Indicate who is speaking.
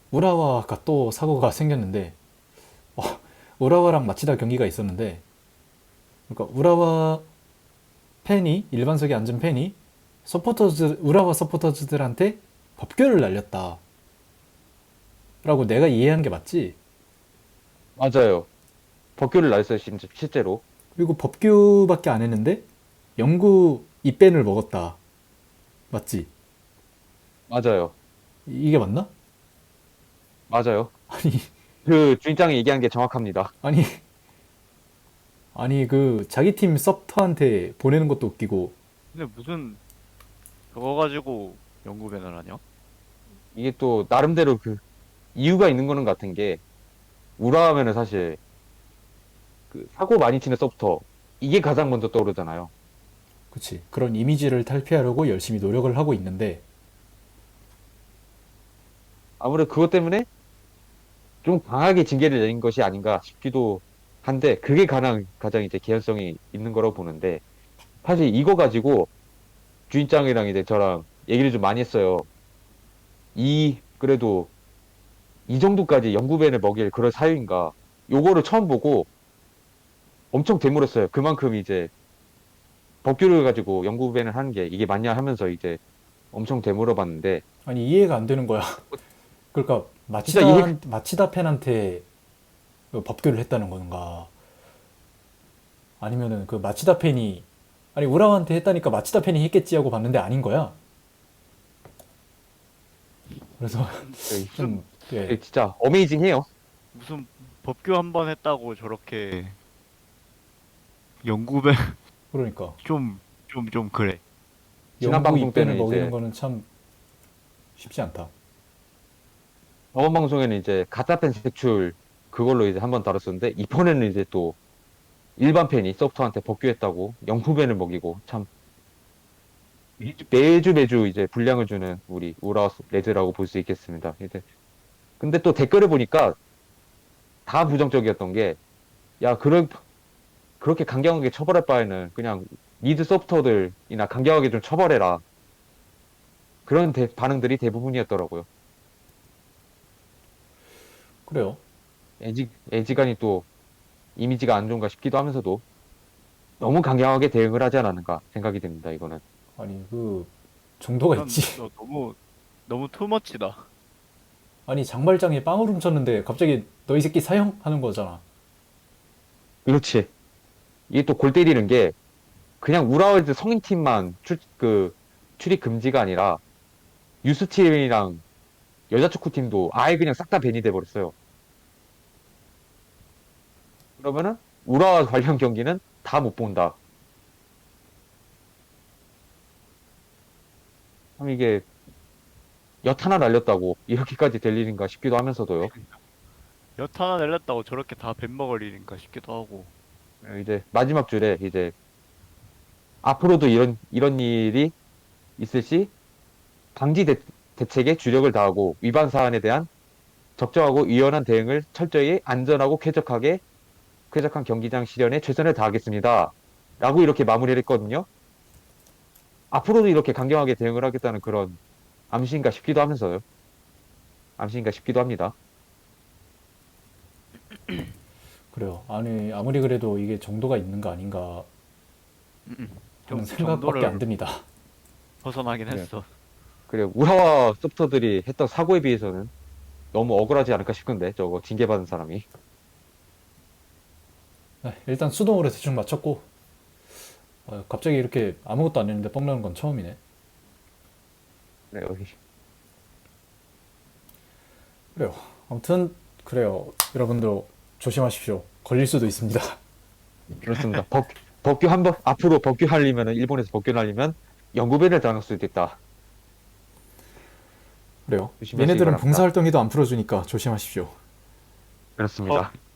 Speaker 1: 우라와가 또 사고가 생겼는데, 어, 우라와랑 마치다 경기가 있었는데, 그러니까 우라와 팬이, 일반석에 앉은 팬이 우라와 서포터즈들한테 법규를 날렸다 라고 내가 이해한 게 맞지?
Speaker 2: 맞아요. 법규를 날렸어요, 실제로.
Speaker 1: 그리고 법규밖에 안 했는데 영구 입밴을 먹었다, 맞지?
Speaker 2: 맞아요.
Speaker 1: 이게 맞나?
Speaker 2: 맞아요.
Speaker 1: 아니,
Speaker 2: 그 주인장이 얘기한 게 정확합니다.
Speaker 1: 아니, 아니, 그 자기 팀 서브터한테 보내는 것도 웃기고.
Speaker 3: 근데 무슨 그거 가지고 연구 배널 하냐?
Speaker 2: 이게 또 나름대로 그 이유가 있는 거는 같은 게 우라 하면은 사실 그 사고 많이 치는 서부터 이게 가장 먼저 떠오르잖아요.
Speaker 1: 그치, 그런 이미지를 탈피하려고 열심히 노력을 하고 있는데.
Speaker 2: 아무래도 그것 때문에 좀 강하게 징계를 내린 것이 아닌가 싶기도 한데 그게 가장 이제 개연성이 있는 거라고 보는데 사실 이거 가지고 주인장이랑 이제 저랑 얘기를 좀 많이 했어요. 그래도 이 정도까지 영구벤을 먹일 그럴 사유인가. 요거를 처음 보고 엄청 되물었어요. 그만큼 이제 법규를 가지고 영구벤을 하는 게 이게 맞냐 하면서 이제 엄청 되물어봤는데
Speaker 1: 아니, 이해가 안 되는 거야. 그러니까
Speaker 2: 진짜 이해
Speaker 1: 마치다 팬한테 그 법규를 했다는 건가? 아니면은 그 마치다 팬이, 아니 우라와한테 했다니까 마치다 팬이 했겠지 하고 봤는데 아닌 거야. 그래서
Speaker 3: 무슨
Speaker 1: 좀, 예,
Speaker 2: 진짜 어메이징해요.
Speaker 3: 무슨 법규 한 번 했다고 저렇게 연구 배
Speaker 1: 그러니까
Speaker 3: 좀 그래.
Speaker 2: 지난
Speaker 1: 영구
Speaker 2: 방송
Speaker 1: 입밴을
Speaker 2: 때는
Speaker 1: 먹이는
Speaker 2: 이제
Speaker 1: 거는 참 쉽지 않다.
Speaker 2: 저번 방송에는 이제 가짜 팬 색출 그걸로 이제 한번 다뤘었는데 이번에는 이제 또 일반 팬이 서브터한테 복귀했다고 영구벤을 먹이고 참 매주 이제 분량을 주는 우리 우라 레드라고 볼 수 있겠습니다. 이제 근데 또 댓글을 보니까 다 부정적이었던 게 야, 그렇게 강경하게 처벌할 바에는 그냥 미드 서브터들이나 강경하게 좀 처벌해라. 그런 반응들이 대부분이었더라고요.
Speaker 1: 그래요.
Speaker 2: 애지간히 또 이미지가 안 좋은가 싶기도 하면서도 너무 강경하게 대응을 하지 않았는가 생각이 듭니다, 이거는.
Speaker 1: 아니 그 정도가 있지.
Speaker 3: 너 너무 투머치다.
Speaker 1: 아니 장발장에 빵을 훔쳤는데 갑자기 너 이 새끼 사형하는 거잖아.
Speaker 2: 그렇지. 이게 또 골 때리는 게 그냥 우라월드 성인팀만 출입 금지가 아니라 유스팀이랑 여자 축구팀도 아예 그냥 싹 다 밴이 돼버렸어요. 그러면은 우라와 관련 경기는 다 못 본다. 참 이게 엿 하나 날렸다고 이렇게까지 될 일인가 싶기도 하면서도요.
Speaker 3: 엿 하나 날렸다고 저렇게 다 뱀먹을 일인가 싶기도 하고.
Speaker 2: 이제 마지막 줄에 이제 앞으로도 이런 일이 있을 시 방지 대책에 주력을 다하고 위반 사안에 대한 적정하고 유연한 대응을 철저히 안전하고 쾌적한 경기장 실현에 최선을 다하겠습니다. 라고 이렇게 마무리를 했거든요. 앞으로도 이렇게 강경하게 대응을 하겠다는 그런 암시인가 싶기도 하면서요. 암시인가 싶기도 합니다.
Speaker 1: 그래요. 아니 아무리 그래도 이게 정도가 있는 거 아닌가 하는
Speaker 3: 좀
Speaker 1: 생각밖에 안
Speaker 3: 정도를
Speaker 1: 듭니다.
Speaker 3: 벗어나긴
Speaker 2: 그래,
Speaker 3: 했어.
Speaker 2: 그래 우라와 소프터들이 했던 사고에 비해서는 너무 억울하지 않을까 싶은데 저거 징계받은 사람이.
Speaker 1: 네, 일단 수동으로 대충 맞췄고, 갑자기 이렇게 아무것도 안 했는데 뻥 나는 건 처음이네.
Speaker 2: 그래, 여기.
Speaker 1: 그래요. 아무튼 그래요. 여러분들 조심하십시오. 걸릴 수도 있습니다.
Speaker 2: 그렇습니다. 법규 한 번, 앞으로 법규 하려면은, 일본에서 법규 하려면 연구배를 당할 수도 있다.
Speaker 1: 그래요.
Speaker 2: 조심하시기
Speaker 1: 얘네들은
Speaker 2: 바랍니다.
Speaker 1: 봉사활동에도 안 풀어주니까 조심하십시오.
Speaker 2: 그렇습니다.